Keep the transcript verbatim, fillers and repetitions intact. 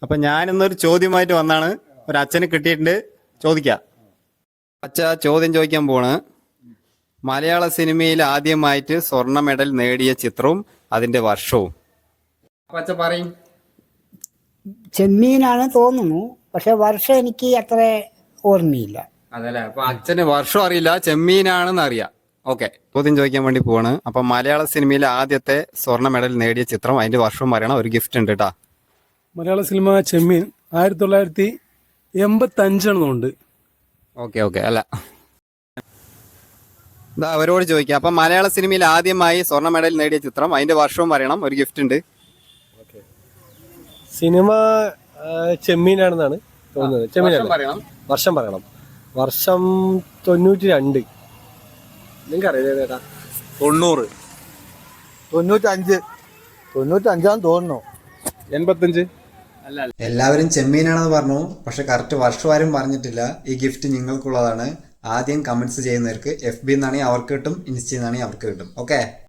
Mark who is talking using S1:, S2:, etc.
S1: അപ്പൊ ഞാൻ ഇന്നൊരു ചോദ്യമായിട്ട് വന്നാണ്. ഒരു അച്ഛന് കിട്ടിയിട്ടുണ്ട്, ചോദിക്കാം. അച്ഛ ചോദ്യം ചോദിക്കാൻ പോണ്. മലയാള സിനിമയിൽ ആദ്യമായിട്ട് സ്വർണ്ണ മെഡൽ നേടിയ ചിത്രവും അതിന്റെ വർഷവും. അപ്പൊ അച്ഛ പറയും.
S2: ചെമ്മീനാണ് തോന്നുന്നു, പക്ഷെ വർഷം എനിക്ക് അത്ര ഓർമ്മയില്ല.
S1: അതല്ലേ, അപ്പൊ അച്ഛന് വർഷം അറിയില്ല, ചെമ്മീനാണെന്ന് അറിയാം. ഓക്കെ, ചോദ്യം ചോദിക്കാൻ വേണ്ടി പോവാണ്. അപ്പൊ മലയാള സിനിമയിലെ ആദ്യത്തെ സ്വർണ്ണ മെഡൽ നേടിയ ചിത്രം അതിന്റെ വർഷവും പറയണം. ഒരു ഗിഫ്റ്റ് ഉണ്ട് കേട്ടാ.
S3: മലയാള സിനിമ ചെമ്മീൻ ആയിരത്തി തൊള്ളായിരത്തി എൺപത്തി അഞ്ചാണെന്നുണ്ട്.
S1: ഓക്കെ ഓക്കെ അല്ല, ഇതാ അവരോട് ചോദിക്കാം. അപ്പൊ മലയാള സിനിമയിൽ ആദ്യമായി സ്വർണ്ണ മെഡൽ നേടിയ ചിത്രം അതിന്റെ വർഷവും പറയണം. ഒരു ഗിഫ്റ്റ് ഉണ്ട്.
S4: സിനിമ ചെമ്മീനാണെന്നാണ് തോന്നുന്നത്. ചെമ്മീൻ
S1: പറയണം.
S4: വർഷം പറയണം. വർഷം തൊണ്ണൂറ്റി രണ്ട്. നിങ്ങൾക്ക് അറിയാം ചേട്ടാ?
S5: തൊണ്ണൂറ്.
S6: തൊണ്ണൂറ്റഞ്ച്. തൊണ്ണൂറ്റഞ്ചാന്ന് തോന്നുന്നു.
S4: എൺപത്തഞ്ച്.
S1: എല്ലാവരും ചെമ്മീനാണെന്ന് പറഞ്ഞു, പക്ഷെ കറക്റ്റ് വർഷം ആരും പറഞ്ഞിട്ടില്ല. ഈ ഗിഫ്റ്റ് നിങ്ങൾക്കുള്ളതാണ്. ആദ്യം കമന്റ്സ് ചെയ്യുന്നവർക്ക് എഫ് ബി എന്നാണെങ്കിൽ അവർക്ക് കിട്ടും, ഇൻസ്റ്റയിൽ നിന്നാണെങ്കിൽ അവർക്ക് കിട്ടും. ഓക്കെ.